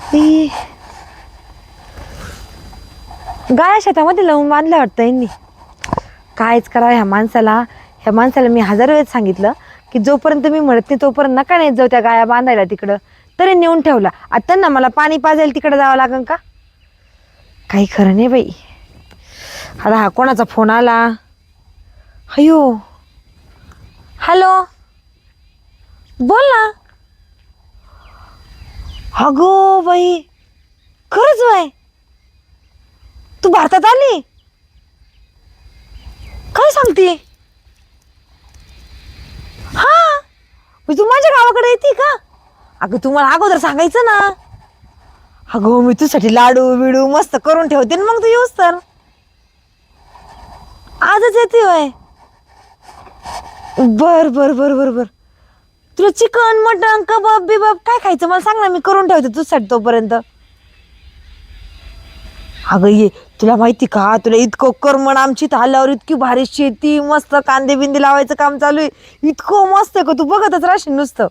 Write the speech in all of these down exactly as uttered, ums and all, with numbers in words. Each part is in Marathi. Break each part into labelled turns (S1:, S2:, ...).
S1: ती गाय शेतामध्ये लावून बांधल्या वाटतं यांनी. कायच करावं ह्या माणसाला. ह्या माणसाला मी हजार वेळेस सांगितलं की जोपर्यंत मी म्हणत नाही तोपर्यंत नका नाही जाऊ त्या गाया बांधायला तिकडं. तरी नेऊन ठेवला. आता त्यांना मला पाणी पाजायला तिकडं जावं लागेल का? काही खरं नाही बाई. आता हा कोणाचा फोन आला? हयो, हॅलो, बोल ना. अगो बाई, खरंच बाय, तू भारतात आली? काय सांगते? हा, तू माझ्या गावाकडे येते का? अगं तू मला अगोदर सांगायचं ना. अगो मी तुझ्यासाठी लाडू बिडू मस्त करून ठेवते ना, मग तू येऊस तर. आजच येते होय? बर बर बर बर बर. तुला चिकन मटन कबाब बिबाब काय खायचं मला सांग ना, मी करून ठेवते तुझ्यासाठी तोपर्यंत. अगं ये, तुला माहिती का, तुला इतकं करमण आमची आल्यावर इतकी भारी शेती, मस्त कांदे बिंदे लावायचं काम चालू आहे. इतकं मस्त आहे का तू बघतच राहशील नुसतं.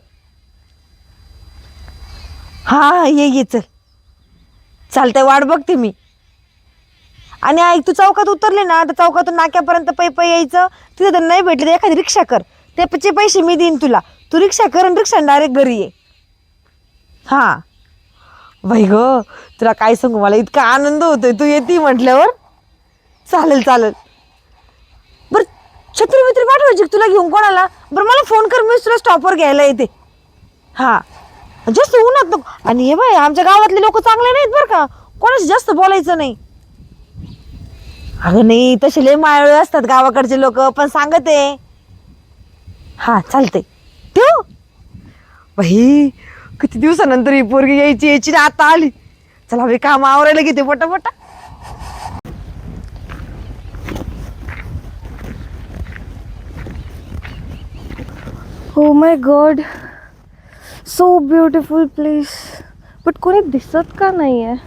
S1: हा ये ये चल, चालतंय, वाट बघते मी. आणि ऐक, तू चौकात उतरले ना तर चौकातून नाक्यापर्यंत पै पै यायचं. तिथे तर नाही भेटले तर एखादी रिक्षा कर, त्याचे पैसे मी देईन तुला. तू रिक्षा कर आणि रिक्षा डायरेक्ट घरी ये. हा बाई ग, तुला काय सांगू, मला इतका आनंद होतोय तू येते म्हटल्यावर. चालेल चालेल. बरं छत्री बित्री पाठवायची तुला घेऊन कोणाला? बरं मला फोन कर, मी तुला स्टॉपवर घ्यायला येते. हा जास्त उन्हात नको. आणि हे बाय, आमच्या गावातले लोक चांगले नाहीत बरं का, कोणाशी जास्त बोलायचं नाही. अगं नाही, तसे लय मायाळू असतात गावाकडचे लोक, पण सांगते. हा चालते, ठेव. बाई किती दिवसानंतर ही पोरगी यायची यायची ना, आता आली. चला बाई, काम आवरायला घेते पटापटा.
S2: Oh my god, so beautiful place. But कोणी दिसत का नाही आहे?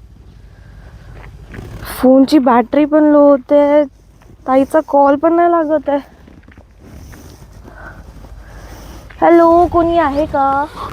S2: फोनची बॅटरी पण लो होते, ताईचा कॉल पण नाही लागत आहे. हॅलो, कोणी आहे का?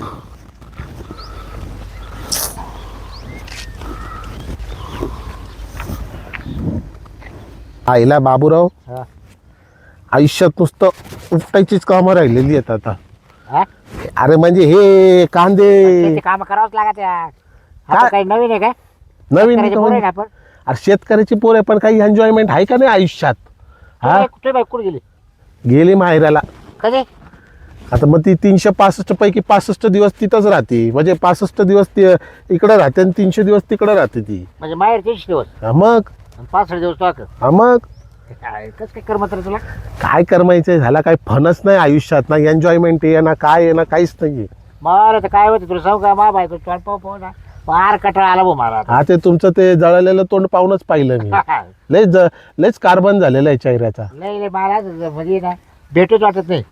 S3: आईला बाबूराव, आयुष्यात नुसतं उपटायचीच कामं राहिलेली आहेत आता. अरे म्हणजे हे कांदे
S4: काम करावंच लागत यार.
S3: काय?
S4: आता काही नवीन आहे काय?
S3: नवीन
S4: शेतकऱ्याचे पोरं आहे ना
S3: म्हणजे-
S4: आपण.
S3: अरे शेतकऱ्याची पोर आहे, पण काही एन्जॉयमेंट आहे का नाही आयुष्यात? हा,
S4: कुठे कुठे बाई कुठे गेली?
S3: गेली माहेराला.
S4: कधी?
S3: आता मग ती तीनशे पासष्ट पैकी पासष्ट दिवस तिथंच राहते. म्हणजे पासष्ट दिवस ती इकडं राहते आणि तीनशे दिवस तिकडं राहते ती.
S4: म्हणजे माहेर तीनशे दिवस
S3: हा मग
S4: आणि पाच दिवस तो
S3: हा मग
S4: कस काय कर मात्र तुला?
S3: काय करमायचं झाला, काही फनच नाही आयुष्यात, ना एन्जॉयमेंट आहे ना काय आहे ना काहीच नाहीये.
S4: मला तर काय होतं तुला सांगू का, मा बायको तोंड पाहू पाहू ना फार कटाळा आला भाऊ मला आता.
S3: हा, ते तुमचं ते जळलेलं तोंड पाहूनच पाहिलं मी. लयच ज- लयच कार्बन झालेला आहे चेहऱ्याचा.
S4: नाही नाही, मला म्हणजे ना भेटूच वाटत नाही.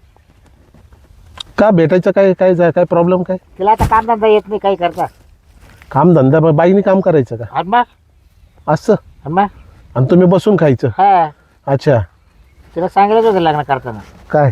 S3: का भेटायचं काय काय जा- काय प्रॉब्लेम काय?
S4: तिला आता कामधंदा येत नाही, काही करता.
S3: काम धंदा मग बाईने काम करायचं का
S4: आणि मग
S3: असं?
S4: आणि मग
S3: आणि तुम्ही बसून खायचं?
S4: हा,
S3: अच्छा.
S4: तिला सांगितलंच होतं लग्न करताना
S3: काय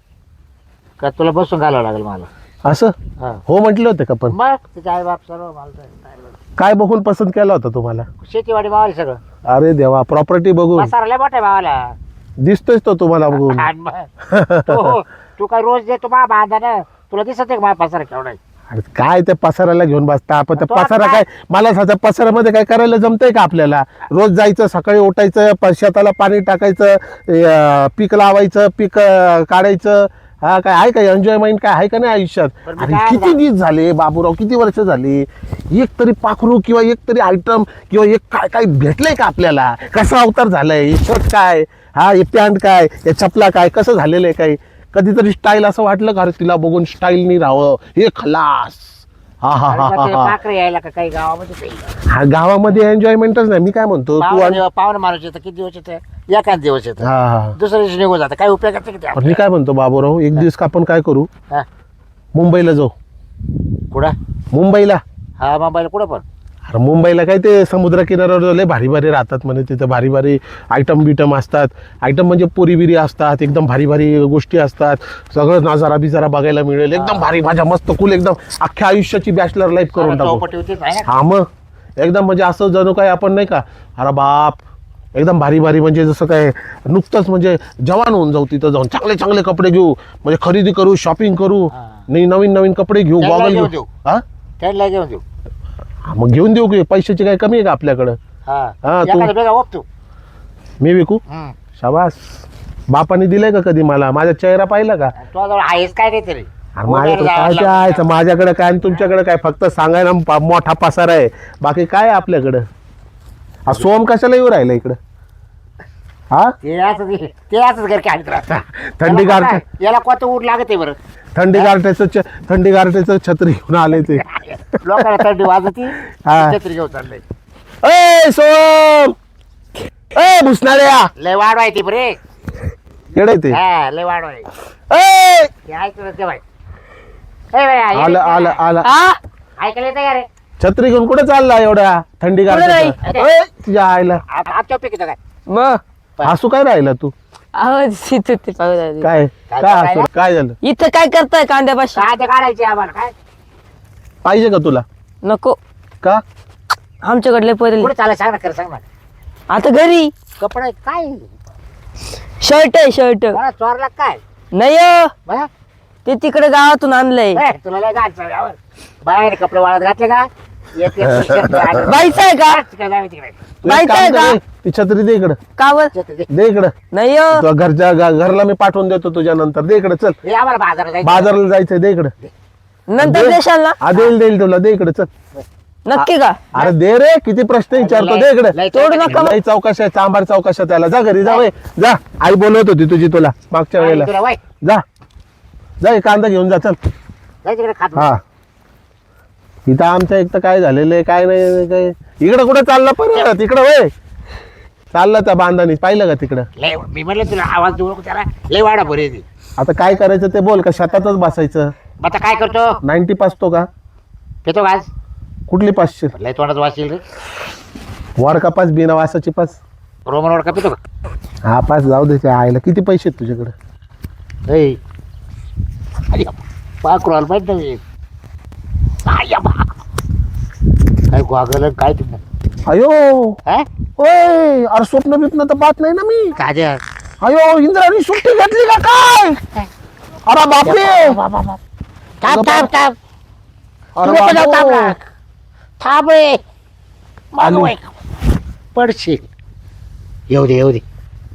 S4: का तुला बसून घालावं लागेल मला.
S3: असं
S4: हा.
S3: हो म्हटलं होतं का? पण
S4: मग तिचे आई बाप सर्व मला तर-
S3: काय बघून पसंत केला होता तुम्हाला?
S4: शेतीवाडी मावाली सगळं.
S3: अरे देवा, प्रॉपर्टी बघून
S4: मसाला लय मोठा आहे भावाला.
S3: दिसतोय तो तुम्हाला बघून.
S4: आणि मग तू तू काय रोज देतो मा बांधा ना, तुला दिसत आहे का माझा पसारा केवढा आहे?
S3: अरे काय त्या पसाराला घेऊन बसता आपण? त्या
S4: तो आता
S3: पसारा काय, मला त्या पसारामध्ये काय करायला जमतंय का आपल्याला? रोज जायचं, सकाळी उठायचं, प- शेताला पाणी टाकायचं, अं, पीक लावायचं, पीक अं, काढायचं. हा, काय आहे का एन्जॉयमेंट काय आहे का नाही आयुष्यात?
S4: बरं, मी
S3: अरे
S4: काय
S3: किती
S4: म्हणतो?
S3: दिवस झाले बाबूराव, किती वर्ष झाली, एक तरी पाखरू किंवा एक तरी आयटम किंवा एक काय काय भेटलंय का आपल्याला? कसा अवतार झालाय? हे शर्ट काय, हा हे पॅन्ट काय, हे चपला काय, कसं झालेलं आहे? काय कधीतरी स्टाईल असं वाटलं का? अरे तिला बघून स्टाईलनी राहावं, हे खलास. हा हा
S4: अरे
S3: हा
S4: मग
S3: हा
S4: ते
S3: हा
S4: पाखरे यायला का काही गावामध्ये काही?
S3: हा, गावामध्ये एन्जॉयमेंटच नाही. मी काय म्हणतो, तू आण-
S4: पाहुणे पाहुणे माणूस येतं, किती दिवस येतं? एकाच दिवस येतं,
S3: हा हा
S4: दुसऱ्या दिवशी निघून जातं. काय उपयोग करते किती?
S3: पण मी काय म्हणतो बाबूराव, एक दिवस आपण काय करू,
S4: हा,
S3: मुंबईला जाऊ.
S4: कुठं?
S3: मुंबईला
S4: हा, मुंबईला कुठं पण?
S3: अरे मुंबईला काय ते समुद्र किनाऱ्यावर लय भारी भारी राहतात म्हणे तिथं भारी भारी आयटम बिटम असतात. आयटम म्हणजे पुरी बिरी असतात, एकदम भारी भारी गोष्टी असतात, सगळं नजारा बिजारा बघायला मिळेल, एकदम भारी माझ्या मस्त कुल एकदम अख्ख्या आयुष्याची बॅचलर लाईफ करून टाकू.
S4: चौपटी होतीच आहे ना.
S3: हा मग एकदम म्हणजे असं जणू काय आपण नाही का अरे बाप एकदम भारी भारी म्हणजे जसं काय नुकतंच म्हणजे जवान होऊन जाऊ तिथं जाऊन चांगले चांगले कपडे घेऊ म्हणजे खरेदी करू शॉपिंग करू नाही नवीन नवीन कपडे घेऊ
S4: त्याला
S3: गॉगल
S4: घेऊन
S3: घेऊ.
S4: देऊ.
S3: हा
S4: त्यांना घेऊन देऊ.
S3: हा, मग घेऊन देऊ की पैशाची काय कमी आहे का आपल्याकडं.
S4: हा
S3: हा, तू-
S4: एखादा बेगा ओप तू.
S3: मी विकू
S4: हम्म.
S3: शाबास. बापाने दिलंय का कधी मला माझा चेहरा पाहिला का.
S4: तुझ्याजवळ आहेच काय नाही तरी.
S3: अरे माझ्याकडे काय ते आहे माझ्याकडे काय आणि तुमच्याकडे काय फक्त सांगायला पा- मोठा पसार आहे बाकी काय आहे आपल्याकडं. हा, सोम कशाला येऊ राहिला इकडं. हा
S4: ते असं ते असंच घर काय
S3: थंडी गारठ्या
S4: याला कोणतं ऊट लागत आहे बरं.
S3: थंडी गारठ्याचं छ- थंडी गारठ्याचं छत्री घेऊन आले ते.
S4: लोकांना थंडी वाजती
S3: हा.
S4: छत्री घेऊन चाललंय.
S3: ए सोम ए भुसणाऱ्या
S4: लय वाढ आहे ती बरे.
S3: येडे ते
S4: हा लय वाढ आहे.
S3: ए
S4: ते ऐकलं ते बाई. ए बाई, ऐक-
S3: आलं आलं आलं
S1: हा
S4: ऐकायला येतं का रे.
S3: छत्री घेऊन कुठे चालला एवढ्या थंडी गारठ्याचं.
S4: नाही.
S3: ए, तुझ्या आईला
S4: आ- आमच्या पीक येतं काय.
S1: मग
S3: हसू काय राहिला तू
S1: अहो तिथे ते पाहू द्या.
S3: काय
S4: काय
S3: काय
S4: काय
S3: हसू काय झालं
S1: इथं काय करताय कांद्यापाशी.
S4: काय ते काढायचे आम्हाला काय.
S3: पाहिजे का तुला
S1: नको
S3: का
S1: आमच्याकडले पहिले
S4: पुढे चालाय सांग ना खरं सांग ना.
S1: आता घरी
S4: कपडे काय
S1: शर्ट आहे शर्ट
S4: मला चोरला काय.
S1: नाही हो,
S4: बा?
S1: ते तिकडे गावातून आणलंय.
S4: ए, तुला लय गाठ चालल्यावर. बाहेर कपडे वाळत घातले का एक- एक t-shirt आणि-
S1: बाईचं आहे का
S4: तिकडे जाऊ तिकडे.
S3: तू एक
S1: माहिती
S3: काम
S1: आहे
S3: कर
S1: का?
S3: रे, ती छत्री दे इकडं
S1: कावर
S4: छत्री दे.
S3: दे इकडं
S1: नाही हो
S3: तुला घरच्या ग- घरला मी पाठवून देतो तुझ्या नंतर दे इकडे चल
S4: हे आम्हाला बाजारात जायचं.
S3: बाजारला जायचंय दे इकडे
S1: नंतर देशाल ना
S3: हा देईल देईल तुला दे इकडे चल.
S1: नक्की का
S3: अरे दे रे किती प्रश्न विचारतो दे इकडे
S4: लय-
S1: तोडू नका मग.
S3: लई चौकशा आहे, चांभार चौकशा त्याला जा घरी जा वय जा आई बोलवत होती तुझी तुला मागच्या
S4: आणि
S3: वेळेला
S4: तुला वय,
S3: जा जा हे कांदा घेऊन जा चल.
S4: जाय तिकडे खात बस.
S3: हा इथं आमच्या एक तर काय झालेलं आहे काय नाही काय इकडं कुठं चालला परत इकडं वय चालला त्या बांधानी पाहिलं का तिकडं.
S4: लय मी म्हणलं तुला आवाज देऊ नको त्याला लय वाडा बरे ती.
S3: आता काय करायचं ते बोल का शेतातच बसायचं.
S4: मग आता काय करतो
S3: नाईन्टी पासतो का
S4: पेतो का आज.
S3: कुठली पाचशे
S4: लय तोंडात वाचील रे.
S3: वर का पाच बिना वासाची पाच.
S4: रोमन रोड का पितो का.
S3: हा पाच जाऊ दे त्या आईला किती पैसे आहेत तुझ्याकडे.
S4: ए अरे पाक रोल माहित नाही. आय बा. काय गोगल काय तुम्ही
S3: अयो
S4: हा
S3: ओय अरे स्वप्न बिप्न तर पाहत नाही ना मी.
S4: काय
S3: अयो इंद्राणी सुट्टी घेतली का काय. अरे बापरे
S4: थांब थांब थांब
S3: अरे
S4: तुला पण थांब
S3: बापरे.
S4: ना. थांब रे मग
S3: आलू.
S4: वय. पडशील येऊ दे येऊ दे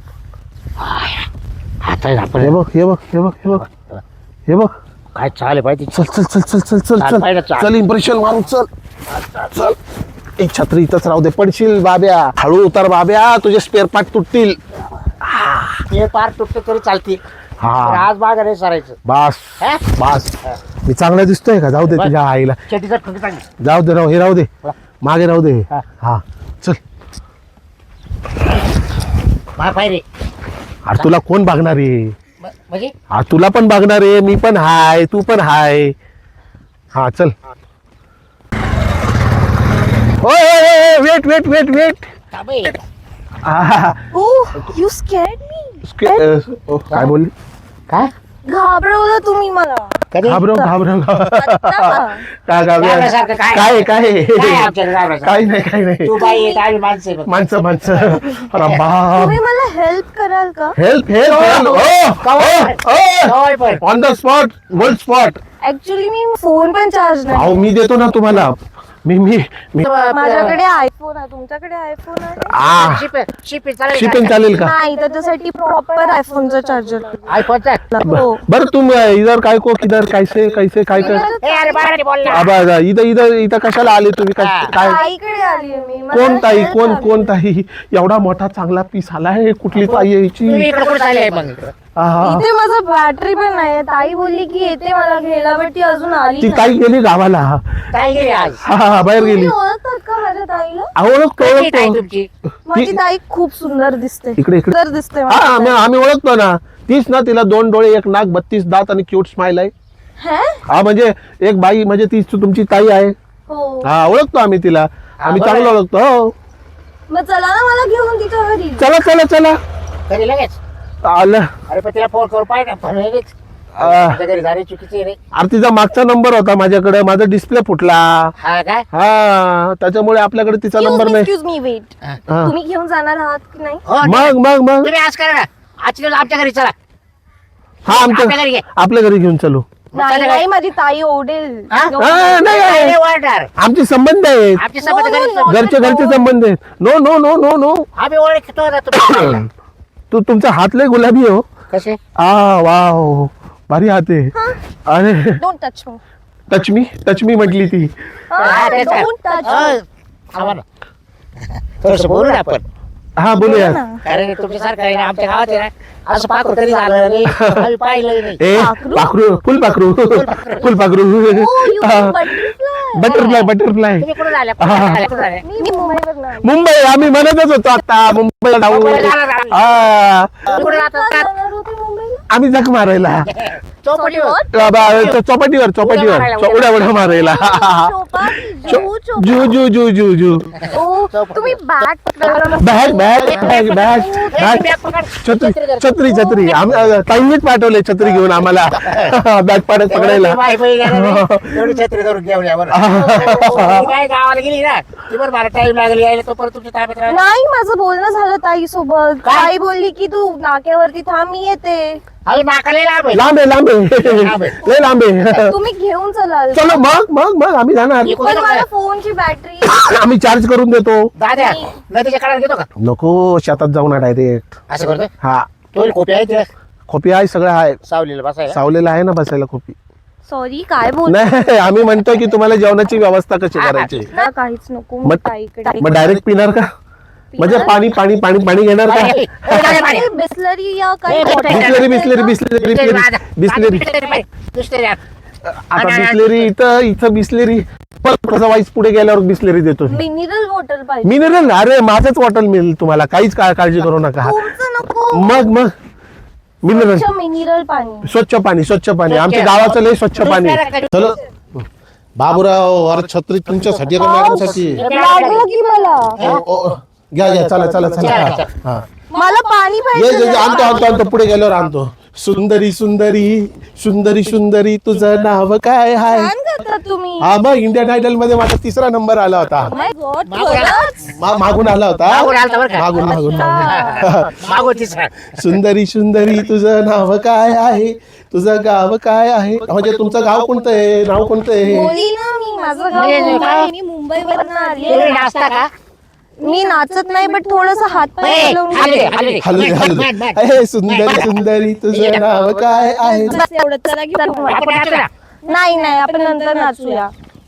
S4: आता
S3: हे
S4: आपण
S3: बघ हे बघ हे बघ हे बघ हे बघ
S4: काय चालू पाहिजे.
S3: चल चल चल चल चल चल
S4: चाल,
S3: चल
S4: पाहिलं, चाल.
S3: चल इम्प्रेशन मारू चल चल. एक छत्री इथंच राहू दे पडशील बाब्या हळू उतार बाब्या तुझे स्पेअर पार्ट तुटतील.
S4: हे पार तुटते तरी चालते.
S3: हा.
S4: पण आज बागा नाही सरायचं.
S3: बास
S4: हा?
S3: बास मी चांगला दिसतोय का जाऊ दे
S4: बस.
S3: तुझ्या आईला
S4: चटीचा ठोकी चांगली.
S3: जाऊ दे राहू हे राहू दे मागे राहू दे
S4: हा.
S3: हा चल.
S4: मा पाय रे
S3: अरे तुला कोण बघणार आहे.
S4: म- म्हणजे
S3: हा तुला पण बघणार आहे मी पण हाय तू पण हाय. हा चल ओय वेट वेट वेट वेट
S4: थांब हे.
S2: Oh, you scared me.
S3: काय बोलली
S4: काय
S2: घाबरवलं तुम्ही मला.
S4: कधी
S3: घाबरव घाबरव
S2: आता.
S3: काय
S4: घाबरल्यासारखं काय?
S3: काय काय
S4: काय आमच्याकडे घाबरायचं?
S3: काही नाही काही नाही
S4: तू बाई येत आम्ही माणसं आहे बघ.
S3: माणसं माणसं अरे बाप
S2: तुम्ही मला हेल्प कराल का.
S3: हेल्प हेल्प
S4: होय पण.
S3: On the spot gold spot.
S2: Actually मी फोन पण चार्ज नाही.
S3: अहो मी देतो ना तुम्हाला मी मी मी
S2: माझ्याकडे आयफोन आहे तुमच्याकडे आयफोन आहे.
S3: आ
S4: शिप- शिप चालेल
S3: शिपिंग चालेल का.
S2: नाही त्याच्यासाठी प्रॉपर आयफोनचा चार्जर
S4: आयफोनचा.
S2: हो.
S3: बरं तुम इधर काय को किधर कैसे कैसे काय कर
S4: ए, अरे बाळाने बोल ना.
S3: आबा आबा, इथं इथं इथं कशाला आले तुम्ही काय
S4: हा.
S3: काय
S2: ताईकडे आली मी. मला
S3: कोण ताई
S2: help
S3: कोण
S2: हवी.
S3: कोण ताई एवढा मोठा चांगला पीस आलाय कुठली ताई यायची.
S4: तुम्ही इकडे कुठे चालले मग इकडं?
S3: आहा.
S2: इथे माझं बॅटरी पण नाही. ताई बोलली की येते मला घ्यायला बट ती अजून आली
S3: ती
S2: नाही.
S3: ताई गेली गावाला.
S4: काय गेली आज
S3: हा हा बाहेर
S2: तुम्ही
S3: गेली.
S2: ओळखतात का माझ्या ताईला.
S3: ओळखतो
S4: कशी ताई
S3: ओळखतो
S4: तुमची
S2: माझी ताई खूप सुंदर दिसते.
S3: इकडे इकडे
S2: सुंदर दिसते माझी
S3: हा आम्ही
S2: ताई.
S3: आम्ही ओळखतो ना तीच ना तिला दोन डोळे एक नाक बत्तीस दात आणि क्यूट स्माइल आहे.
S2: हैं?
S3: हा म्हणजे एक बाई म्हणजे तीच तुमची ताई आहे.
S2: हो.
S3: हा ओळखतो आम्ही तिला आम्ही
S4: बरोबर
S3: चांगलं
S4: आहे.
S3: ओळखतो. हो
S2: मग चला ना मला घेऊन तिच्या घरी.
S3: चला चला चला
S4: घरी लगेच.
S3: आलं.
S4: अरे पण तिला फोन करू पाहिजे ना लगेच.
S3: आ.
S4: आमच्या घरी झाली चुकीची रे.
S3: अरे तिचा मागचा नंबर होता माझ्याकडे, माझा डिस्प्ले फुटला.
S4: हा काय
S3: हा त्याच्यामुळे आपल्याकडे तिचा नंबर नाही.
S2: Excuse me wait.
S4: हा.
S3: हा.
S2: तुम्ही घेऊन जाणार आहात की नाही?
S4: हो,
S3: मग मग मग
S4: तुम्ही आज करा ना. आजच्या दिवस आमच्या घरी चला.
S3: हा
S4: आपल्या घरी
S3: आमच्या
S4: घे.
S3: आपल्या घरी घेऊन चलू.
S2: नाही नाही माझी ताई ओरडेल.
S4: हा?
S2: No.
S3: हा, नाही
S4: नाही,
S3: नाही.
S4: वाढणार.
S3: आमचे संबंध आहेत,
S4: आमचे संबंध
S2: No, no,
S4: घरी-
S2: no.
S3: घरचे घरचे संबंध आहेत. No no no no no
S4: आम्ही ओळखतो ना तुम्ही.
S3: तू तुमचा हात लय गुलाबी हो.
S4: कसे
S3: आ वाव भारी हात आहे. अरे
S2: Don't touch me.
S3: Touch me touch me म्हटली ती.
S4: हा, तेच आहे.
S2: Don't touch
S4: हो,
S2: me.
S4: थांबा ना. थोडंसं बोलू ना आपण.
S3: हा बोलूया.
S4: कारण तुमच्यासारखं आहे ना आमच्या गावात आहे ना असं पाखरू कधी झालं नाही. आम्ही पाहिलं नाही.
S3: ए
S2: पाखरू?
S3: पाखरू फुल पाखरू फुल पाखरू
S2: Oh, you mean butterfly.
S3: Butterfly butterfly
S4: तुम्ही कुठे झाल्या
S3: हा.
S4: कुठे झाल्या
S2: मी मुंबईवरून आली.
S3: मुंबई आम्ही म्हणतच होतो आता मुंबईला जाऊ.
S4: मुंबईला जाणार आम्ही.
S3: हा
S4: तुम्ही कुठे
S2: का
S4: जातात
S2: जाणार होते मुंबईला?
S3: आम्ही जख मारायला
S4: चौपटीवर
S3: बा- बा- चौपाटीवर चौपाटीवर
S4: मारायला,
S3: चौ- उड्या उड्या मारायला.
S2: चौपाटी, जू, चौपाटी.
S3: जू जू जू जू जू
S2: ओ, तुम्ही बॅग पकडायला
S3: bag bag bag bag bag छत्री छत्री छत्री आम्ही ताईंनीच पाठवले छत्री घेऊन आम्हाला बॅग पाडत पकडायला.
S4: बाई बाई गेल्या रे. एवढी छत्री धरून घेऊन या बरं. मी काय गावाला गेली ना ती बरं मला टाइम लागेल यायला तो परत तुमच्या ताब्यात राहिला.
S2: नाही माझं बोलणं झालं ताई सोबत.
S4: काय?
S2: ताई बोलली की तू नाक्यावरती थांब मी येते.
S4: अरे नाकाला लांब आहे.
S3: लांब आहे लांब आहे
S4: लांब आहे.
S3: लय लांब आहे.
S2: तुम्ही घेऊन चलाल.
S3: चलो मग मग मग आम्ही जाणार.
S4: मी
S2: पण
S4: कुठे
S2: मला
S4: जाणार?
S2: फोनची बॅटरी.
S3: आम्ही चार्ज करून देतो.
S4: दाद्या नदीच्या काढायला घेतो का
S3: नको शेतात जाऊ ना डायरेक्ट.
S4: असं करतो
S3: हा
S4: तो खोपी आहे तिला
S3: खोपी आहे सगळं आहे
S4: सावलीला बसायला.
S3: सावलेलं आहे ना बसायला खोपी.
S2: सॉरी काय बोल.
S3: नाही आम्ही म्हणतो की तुम्हाला जेवणाची व्यवस्था कशी करायची.
S2: मला काहीच नको. मी
S3: मग
S2: ताईकडे
S3: मग डायरेक्ट पिणार का म्हणजे पाणी पाणी पाणी पाणी घेणार का.
S4: ए, दाद्या, पाणी.
S2: बिस्लरी या काही
S4: ए,
S2: bottle
S3: बिस्लरी
S2: असेल
S3: बिस्लरी
S2: ना?
S3: बिस्लरी बिस्लरी बिस्लरी
S4: बिस्लरी बिस्लरी आण.
S3: आता बिस्लरी इथं इथं बिस्लरी परत कसा वाईस पुढे गेल्यावर बिस्लरी देतो.
S2: मिनरल वॉटर पाहिजे.
S3: मिनरल अरे माझंच बॉटल मिळेल तुम्हाला काहीच का- काळजी करू नका.
S2: तुमचं नको.
S3: मग मग मिनरल
S2: स्वच्छ मिनरल पाणी.
S3: स्वच्छ पाणी स्वच्छ पाणी आमच्या गावाचं लय स्वच्छ पाणी आहे. चलो बाबूराव अरे छत्री तुमच्यासाठी का मॅडमसाठी.
S2: लागलं की मला.
S3: ओ, ओ, घ्या घ्या चला चला चला हा
S2: मला पाणी
S3: ये
S2: पाहिजे.
S3: ये, ये, आणतो आणतो आणतो पुढे गेल्यावर आणतो. सुंदरी सुंदरी सुंदरी सुंदरी तुझं नाव काय आहे.
S2: छान करता तुम्ही.
S3: हा मग इंडियन आयडल मध्ये माझा तिसरा नंबर आला होता.
S2: My God,
S4: मागून
S2: खरंच?
S3: मा- मागून आला होता
S4: मागून आलता बरं का?
S3: मागून मागून मागून.
S4: मागो तिसरा
S3: सुंदरी सुंदरी तुझं नाव काय आहे तुझं गाव काय आहे म्हणजे तुमचं गाव कोणतं आहे नाव कोणतं आहे.
S2: बोलली ना मी माझं गाव
S4: नाही, नाही,
S2: मुंबई
S4: काय?
S2: आहे. मी मुंबईवरून आली
S4: तुम्ही नाचता का
S2: मी नाचत नाही बट थोडस हात पाय
S4: ए,
S2: हलवून
S4: हलू दे,
S2: घेते.
S4: हलू दे.
S3: हलू दे, हलू दे.
S4: मॅट, मॅट,
S3: ए, सुंदरी सुंदरी तुझं नाव काय आहे.
S2: बस एवढं चला की
S4: आपण नाचू ना.
S2: नाही नाही आपण नंतर नाचूया.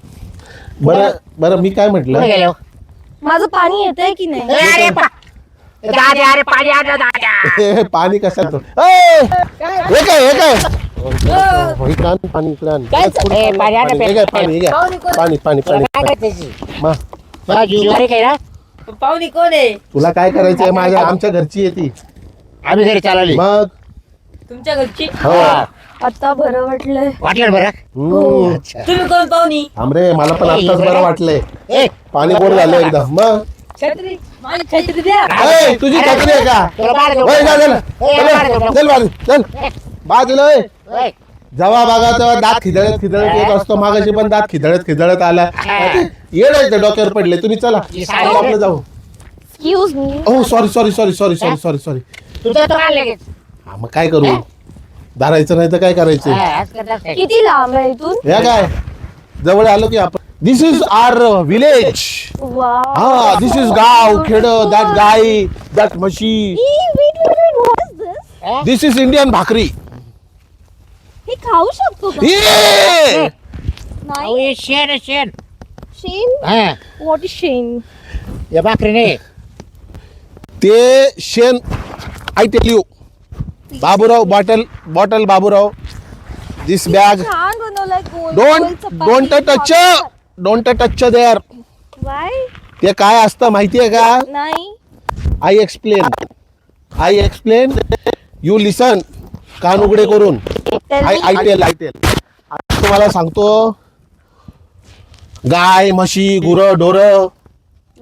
S3: बरं बरं मी काय
S4: कुठे
S3: म्हटलं
S4: गेले हो?
S2: माझं पाणी येतंय की नाही.
S4: ए, अरे पा- दाद्या अरे पाणी आण ना, दाद्या.
S3: हे पाणी कशात ए, हे काय हे काय हो, इकडं आण, पाणी इकडं आण. पुढं
S4: ए, पाणी आण ना,
S3: पाणी. हे काय, पाणी हे काय. पाणी पाणी पाणी
S4: काय करते ती?
S3: मा,
S4: मला ज्वेलरी काय ना
S5: पाहुणी कोण आहे
S3: तुला काय करायचंय माझ्या आमच्या घरची येते
S4: आम्ही घरी चालवली
S3: मग
S5: तुमच्या घरची
S3: हो
S2: आता बरं वाटलंय.
S4: वाटलं बरं
S3: हम्म.
S5: तुम्ही कोण पाहुणी
S3: आमरे मला पण आत्ताच बरं वाटलंय
S4: ए
S3: पाणी गोड झालं एकदम मग
S5: छत्री माझी छत्री द्या
S3: ए, तुझी छत्री आहे का
S4: तुला बाहेर जाऊ.
S3: वय, जा, चल.
S4: ए, बाहेर जाऊ.
S3: चल बाजू चल बाजूला वय.
S4: ओय.
S3: जेव्हा बघा तेव्हा दात खिदळत खिदळत येत असतो मागाशी पण दात खिदळत खिदळत आला येडायचं डोक्यावर पडले तुम्ही चला चला, आपलं जाऊ.
S2: Excuse me.
S3: ओ sorry sorry sorry sorry sorry sorry sorry
S4: तुझं तो आलं लगेच.
S3: हा मग काय करू धरायचं नाही तर काय करायचं
S4: हा, आज करणार काय?
S2: किती लांब आहे इथून.
S3: हे काय जवळ आलो की आपण दिस इज आर विलेज
S2: वा.
S3: हा दिस इज गाव खेड दॅट गाय दॅट म्हशी
S4: हा?
S3: दिस इज इंडियन भाकरी
S2: हे खाऊ शकतो का.
S3: ये!
S2: नाही.
S4: अहो, हे शेण आहे, शेण
S2: शेण.
S4: हा
S2: व्हॉट इज शेण.
S4: या भाकरी नाही
S3: ते शेण I tell you Baburao bottle bottle Baburao this bag
S2: छान बनवलाय गोल
S3: don't don't touch don't touch there
S2: why.
S3: ते काय असतं माहितीये का
S2: नाही.
S3: I explain I explain you listen कान उघडे करून I I tell I tell तुम्हाला सांगतो गाय म्हशी गुरं ढोरं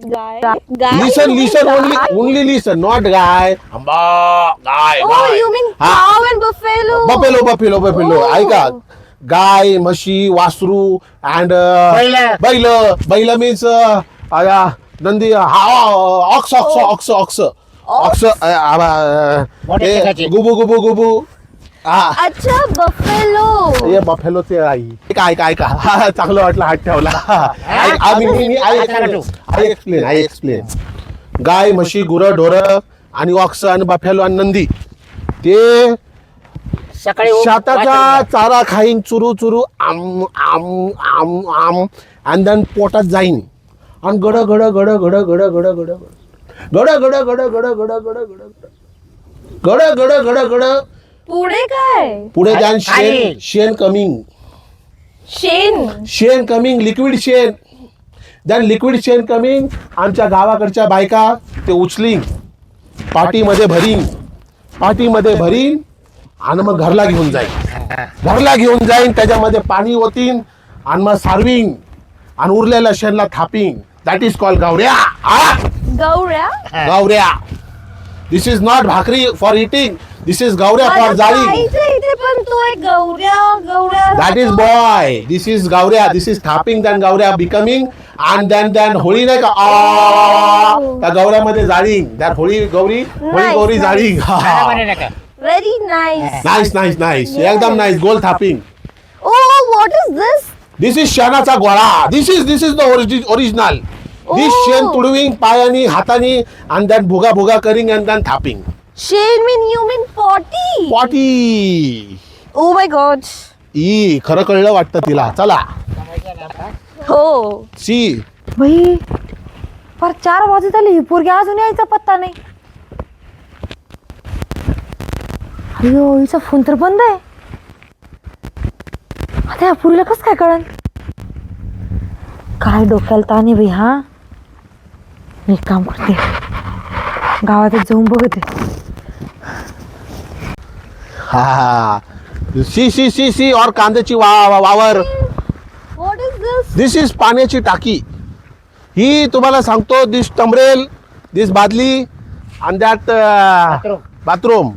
S2: Guy. Guy.
S3: Listen
S2: You mean
S3: listen
S2: guy?
S3: Only only listen not गाय गाय
S2: Oh, you mean cow and buffalo?
S3: Buffalo buffalo buffalo
S2: Oh.
S3: ऐका गाय म्हशी वासरू अँड
S4: बैल.
S3: बैल बैल मीन्स नंदी हा ox ox ox ox ox
S4: मोठ्या शेताची.
S3: गुबू गुबू गुबू हा
S2: अच्छा buffalo.
S3: ये बफेलोचे आई काय काय का हा, चांगलं वाटलं हात ठेवला I I I explain I explain गाय म्हशी गुरं ढोरं आणि ऑक्स आणि बफेलो आणि नंदी ते
S4: सकाळी उठ-
S3: शेताचा
S4: वाटलं.
S3: चारा खाईन चुरू चुरू आम आम आम आम आणि देन पोटात जाईन आणि गड गड गड गड गड गड गड गड गड गड गड गड गड गड गड गड गड गड गड
S2: पुढे काय?
S3: पुढे जाईन
S4: खाली.
S3: शेण शेण कमिंग
S2: शेण.
S3: शेण कमिंग लिक्विड शेण देन लिक्विड शेण कमिंग आमच्या गावाकडच्या बायका ते उचलीन पाठीमध्ये भरीन पाठीमध्ये भरीन आणि मग घरला घेऊन जाईन घरला घेऊन जाईन त्याच्यामध्ये पाणी ओतीन आणि मग सारविंग आणि उरलेल्या शेणला थापिंग दॅट इज कॉल गावऱ्या आ?
S2: गौऱ्या.
S3: गावऱ्या दिस इज नॉट भाकरी फॉर इटिंग दिस इज गावऱ्या फॉर
S2: माझं
S3: जाळी
S2: खायचं इथे पण तो एक गौऱ्या गौऱ्या.
S3: That is boy. This is Gauria. This is tapping. Then Gauria becoming. And then then Holi नाही का आ, त्या गौऱ्यामध्ये जाळींग त्या होळी गौरी होळी
S2: Nice,
S3: गौरी
S2: nice.
S3: जाळींग
S4: खायला म्हणे नका.
S2: Very nice.
S3: Nice nice nice एकदम नाईस गोल थापिंग
S2: Oh, what is this?
S3: This is शेणाचा गोळा this is this is the original this
S2: Oh.
S3: शेण तुडविंग पायानी हातानी आणि then भुगा भुगा करिंग and then थापिंग
S2: Shane mean you mean potty.
S3: Potty
S2: Oh my god.
S3: ई खरं कळलं वाटतं तिला चला
S2: हो.
S3: सी
S1: बाई पर चार वाजत आले ही पोरगी अजून यायचा पत्ता नाही. अयो हिचा फोन तर बंद आहे. आता या पुरीला कसं काय कळन काय डोक्याला ताण आहे बाई हा. मी एक काम करते गावातच जाऊन बघते.
S3: हा सी सी सी सी और कांद्याची वा वा- वावर
S2: What is this?
S3: This is पाण्याची टाकी ही तुम्हाला सांगतो दिस टमरेल दिस बादली आणि that
S4: Bathroom.
S3: Bathroom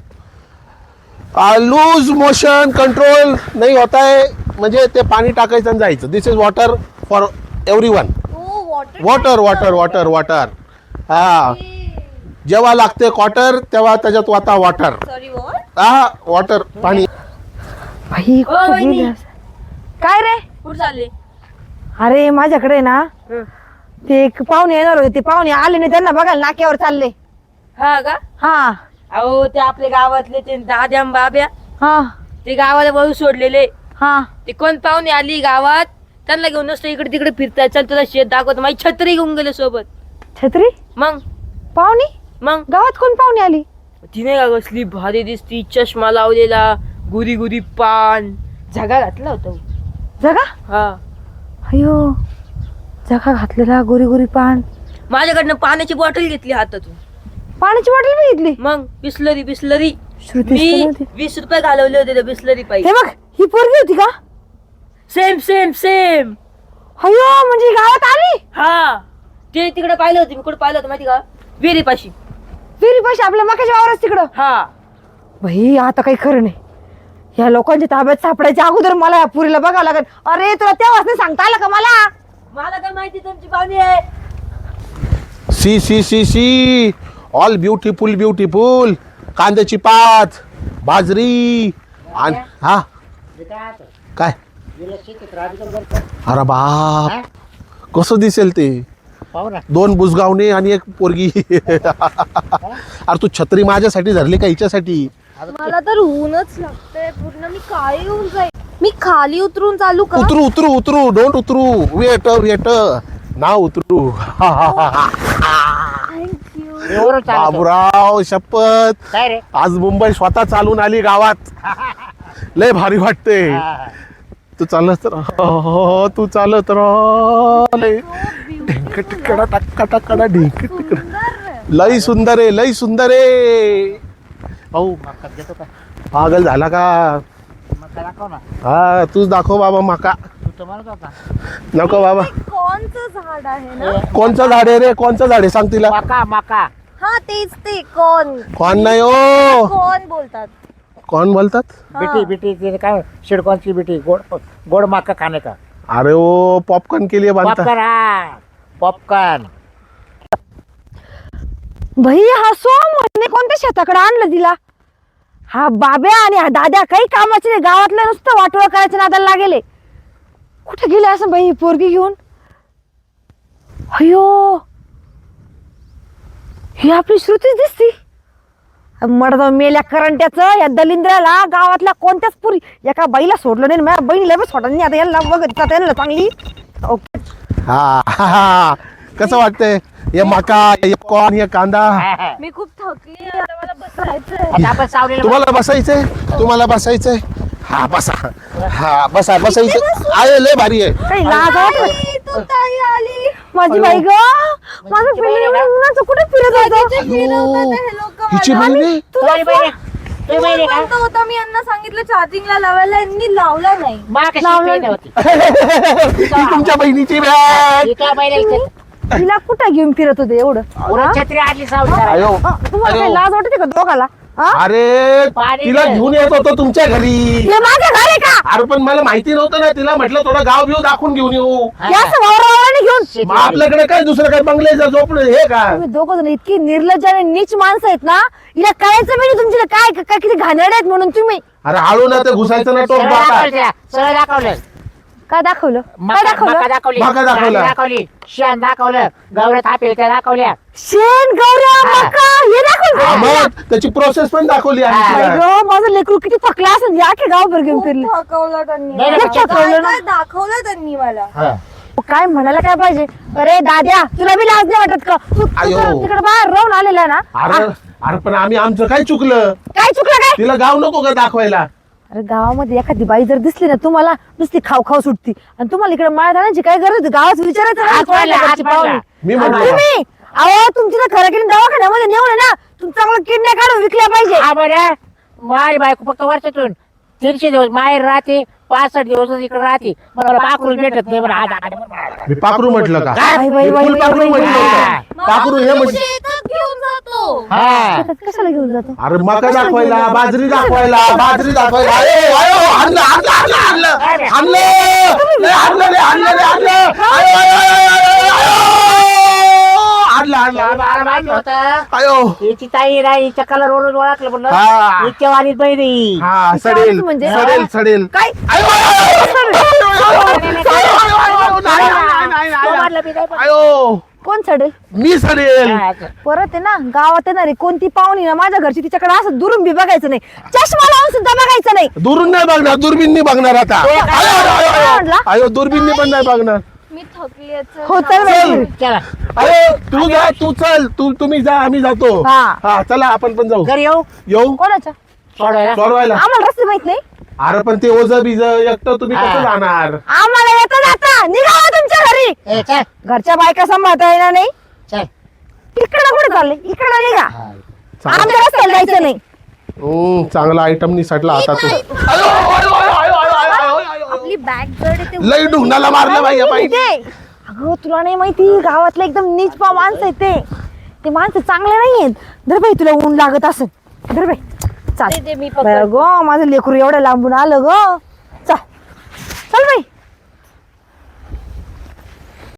S3: loose motion control नाही होत आहे म्हणजे ते पाणी टाकायचं आणि जायचं this is water for everyone
S2: Oh, water.
S3: Water water water water हा जेव्हा लागते क्वार्टर तेव्हा त्याच्यात वाता वॉटर
S2: Sorry, what?
S3: हा वॉटर पाणी
S1: बाई
S5: ओ,
S1: कुठं
S5: वहिनी.
S1: गेली असं? काय रे
S5: कुठं चालले
S1: अरे माझ्याकडे ना ते एक पाहुणे येणार होते ते पाहुणे आले नाही त्यांना बघायला नाक्यावर चालले.
S5: हा का
S1: हा
S5: अहो ते आपल्या गावातले ते दाद्या आणि बाब्या
S1: हा
S5: ते गावाला वळू सोडलेले
S1: हा
S5: ते कोण पाहुणे आली गावात त्यांना घेऊन नसतं इकडे तिकडे फिरताय चल तुला शेत दाखवत माझी छत्री घेऊन गेले सोबत
S1: छत्री
S5: मग
S1: पाहुणी
S5: मग
S1: गावात कोण पाहुणे आली.
S5: तिने का कसली भारी दिसती चष्मा लावलेला गुरी गुरी पान झगा घातला होता
S1: जगा
S5: हा
S1: अयो जगा घातलेला गोरी गोरी पान
S5: माझ्याकडनं पाण्याची बॉटल घेतली हातातून
S1: पाण्याची बॉटल मी घेतली.
S5: मग बिस्लरी बिस्लरी
S1: श्रुतीच तर
S5: मी
S1: नव्हती.
S5: वीस रुपये घालवले होते त्या बिस्लरी
S1: हे
S5: पाहिजे
S1: बघ ही पोरगी होती का.
S5: सेम सेम सेम
S1: अयो म्हणजे ही गावात आली
S5: हा ते तिकडे पाहिलं होतं मी कुठे पाहिलं होतं माहिती का विहिरी पाशी
S1: फिरी पैसे आपल्या मकाच्या वावरच तिकडं.
S5: हा
S1: भाई आता काही खरं नाही या लोकांच्या ताब्यात सापडायच्या अगोदर मला या पुरीला बघावं लागेल. अरे तुला तेव्हाच नाही सांगता आलं का मला.
S5: मला काय माहिती तुमची पाहुणी आहे
S3: see see see see all beautiful beautiful कांद्याची पात बाजरी आणि हा काय अरे बाप कसं दिसेल ते
S4: पाहू ना
S3: दोन बुजगावणे आणि एक पोरगी अरे तू छत्री माझ्यासाठी धरली का हिच्यासाठी
S2: मला तर ऊनच लागतंय पूर्ण. मी काय येऊन जाईल. मी खाली उतरून चालू का.
S3: उतरू उतरू उतरू डोंट उतरू वेट वेट ना उतरू
S2: थँक्यू.
S4: एवढं चालतं.
S3: बाबूराव शपथ
S4: काय रे
S3: आज मुंबई स्वतः चालून आली गावात लय भारी वाटते
S4: हा.
S3: तू चालत राह तू चालत राह लय ढिंक टिकडा टक्का टक्कडा ढिंक टिकडा लय सुंदर आहे लय सुंदर आहे भाऊ
S4: मका घेतो का
S3: पागल झाला का
S4: मका दाखव ना
S3: हा तूच दाखव बाबा माका
S4: तू तो म्हणत होता
S3: नको बाबा.
S2: कोणचं झाड आहे ना?
S3: कोणचं झाड आहे रे? कोणचं झाड आहे सांग तिला.
S4: मका मका
S2: हा तेच ते कोण
S3: कोण नाही ओ.
S2: कोण बोलतात.
S3: कोण बोलतात?
S4: बिटी बिटी ते काय शिडकॉनची बिटी गोड गोड मका खाणे का
S3: अरे ओ पॉपकॉर्न के लिए बनता.
S4: पॉपकॉर्न हा पॉपकॉर्न.
S1: भाई हा सोम म्हणे कोणत्या शेताकडे आणलं तिला. हा बाब्या आणि हा दाद्या काही कामाचे नाही, गावातलं नुसतं वाटोळं करायचं नादाला लागेले. कुठे गेले असं बाई पोरगी घेऊन. अयो ही आपली श्रुतीच दिसती. मडदा मेल्या करंट्याचं या दलिंद्राला गावातल्या कोणत्याच पुरी एका बाईला सोडलं नाही. माझ्या बहिणीला बी सोडलं नाही. आता यांना बघत आता यांना चांगली. ओके.
S3: हा हा, हा. कसं वाटतंय हे मका हे कॉर्न हे कांदा.
S2: मी खूप थकली आता मला बसायचंय.
S4: आता आपण सावलीला
S3: तुम्हाला बसायचंय तुम्हाला बसायचंय. हा बसा. हा बसा बसायचं आहे. लय भारी आहे.
S1: काही लाज वाटत.
S2: आई, तू ताई आली.
S1: माझी बाई ग माझं फिरलं उन्हाचं कुठे फिरत होतं.
S2: फिरवतात हे लोकं
S3: हिची
S2: मला.
S3: बहिणी
S4: तुम्ही बहिणी तुम्ही बहिणी का
S2: बोलतो होता मी यांना सांगितलं चार्जिंगला लावायला, यांनी लावला नाही.
S4: मा कशी बहीण होती
S3: ही तुमच्या बहिणीची बॅग.
S4: ही काय बहिणी इथे
S1: तिला कुठं घेऊन फिरत होते एवढं.
S4: पुरण छत्री आणली सावली
S3: अयो
S1: तुम्हाला काही लाज वाटते का दोघाला. हा?
S3: अरे
S4: पाणी
S3: तिला
S4: दे.
S3: घेऊन येत होतो तुमच्या घरी.
S1: हे माझं घर आहे का.
S3: अरे पण मला माहिती नव्हतं ना. तिला म्हटलं थोडं गाव बिव दाखवून घेऊन येऊ.
S1: या असं वावरावाराने घेऊन.
S3: मग आपल्याकडे काय दुसरं काय बंगल्याचं झोपणं हे का.
S1: तुम्ही दोघं जण इतकी निर्लज्ज आणि नीच माणसं आहेत ना. हिला कळायचं म्हणजे तुमची काय काय किती घाणेरडे आहेत म्हणून तुम्ही.
S3: अरे हळू ना ते घुसायचं ना टोक
S4: सरळ
S3: बाका.
S4: दाखवलं तिला, सरळ दाखवलं
S1: काय दाखवलं काय
S4: मका मका
S1: दाखवलं.
S4: दाखवली
S3: मका दाखवला.
S4: डाळ दाखवली शेण दाखवलं गवऱ्या थापेच्या दाखवल्या
S1: शेण गौऱ्या मका हे दाखवलं.
S3: हा, मग त्याची प्रोसेस पण दाखवली आम्ही
S4: हा.
S3: तिला.
S1: बाई गं, माझं लेकरू किती थकला असेल. या की गावभर घेऊन फिरले.
S2: खूप थकवलं त्यांनी.
S4: नाही, नाही,
S1: लक्षात
S2: काय
S1: ठेवलं ना.
S2: काय दाखवलं त्यांनी मला.
S4: हा.
S1: काय म्हणायला काय पाहिजे. अरे दाद्या तुला बी लाज नाही वाटत का. तू
S3: आयो.
S1: तिकडे बाहेर राहून आलेला ना.
S3: अरे अरे पण आम्ही आमचं काय चुकलं.
S1: काय चुकलं काय.
S3: तिला गाव नको का दाखवायला.
S1: अरे गावामध्ये एखादी बाई जर दिसली ना तुम्हाला नुसती खाऊ खाऊ सुटती. आणि तुम्हाला इकडे माळ घालायची काय गरज होती. गावात विचारायचं नाही
S4: हात
S1: कोणाला
S4: पाडला,
S1: घरची
S4: हात पाडला.
S1: पाहुणी.
S3: मी
S1: आणि
S3: म्हणलो
S1: तुम्ही अहो तुमची ना खरं केली दवाखान्यामध्ये नेऊन ना तुमचं चांगलं किडण्या काढून विकल्या पाहिजे.
S4: हा बरं माझी बायको फक्त वर्षातून तीनशे दिवस माहेर राहते पासष्ट दिवस इकडे राहते मला पाखरू भेटत नाही. मला आज
S3: मी पाखरू म्हटलं का.
S1: बाई, बाई,
S3: मी
S1: बाई,
S3: फुल
S1: बाई,
S3: पाखरू
S1: बाई,
S3: म्हटलं
S4: बाई.
S3: होतं. पाखरू हे म्हणजे
S2: शेतात घेऊन जातो.
S4: हा
S1: शेतात कशाला घेऊन जातो.
S3: अरे मका दाखवायला बाजरी दाखवायला बाजरी दाखवायला. अरे, अयो, आणलं आणलं आणलं आणलं आणलं लय आणलं लय आणलं लय आणलं. अयो, अयो, अयो, अयो, अयो. आणलं आणलं आणलं,
S4: मला माहिती होतं
S3: अयो.
S4: हिची ताई नाही हिच्या कलर वरून ओळखलं म्हणलं
S3: हा.
S4: हिच्या वाणीत बहिणी
S3: हा सडेल
S1: म्हणजे?
S3: सडेल सडेल.
S1: काय
S3: अयो, अयो, अयो, अयो, अयो, अयो, अयो, नाही, नाही, नाही, नाही,
S4: वाटलं मी नाही
S3: नाही. अयो
S1: कोण चढेल.
S3: मी सडेल.
S4: पण-
S1: परत आहे ना गावात येणारी कोणती पाहुणी ना माझ्या घरची तिच्याकडे असं दुरून बी बघायचं नाही. चष्मा लावून सुद्धा बघायचं नाही.
S3: दुरून नाही बघणार दुर्बीननी बघणार आता. अयो, अयो, अयो,
S1: काय
S3: अयो.
S1: म्हटला?
S3: अयो दुर्बीननी पण नाही बघणार.
S2: मी थकली आहे, चल.
S1: हो चल बाई.
S4: चला
S3: अरे तू जा तू चल तू तुम्ही जा आम्ही जातो.
S1: हा.
S3: हा चला आपण पण जाऊ.
S4: घरी येऊ
S3: येऊ
S1: कोणाच्या
S4: सोडवायला
S3: सोडवायला.
S1: आम्हाला रस्ते माहित नाही.
S3: अरे पण ते ओझ बीज एकटं तुम्ही कसं
S4: हा.
S3: जाणार.
S1: आम्हाला येतं जाता निघावा तुमच्या घरी.
S4: ए, चल
S1: घरच्या बायका सांभाळता येणार नाही.
S4: चल
S1: इकडं कुठे चालले इकडं निघा.
S3: चांगला
S1: आमच्या रस्त्याला जायचं नाही.
S3: हम्म, चांगला आयटम निसटला आता तू. अयो, अयो, अयो, अयो, अयो, अयो, अयो, अयो.
S2: आपली बॅग जड आहे ते.
S3: लई ढुंगणाला मारलं बाई या बाई.
S1: ते अगं तुला नाही माहिती गावातलं एकदम नीच पा माणसं आहेत ते. ते माणसं चांगले नाही आहेत. धर बाई तुला ऊन लागत असेल. धर बाई चाल.
S2: दे, दे, मी
S1: बरं
S2: पकडते.
S1: गो माझं लेकरू एवढं लांबून आलं ग. चल चल बाई.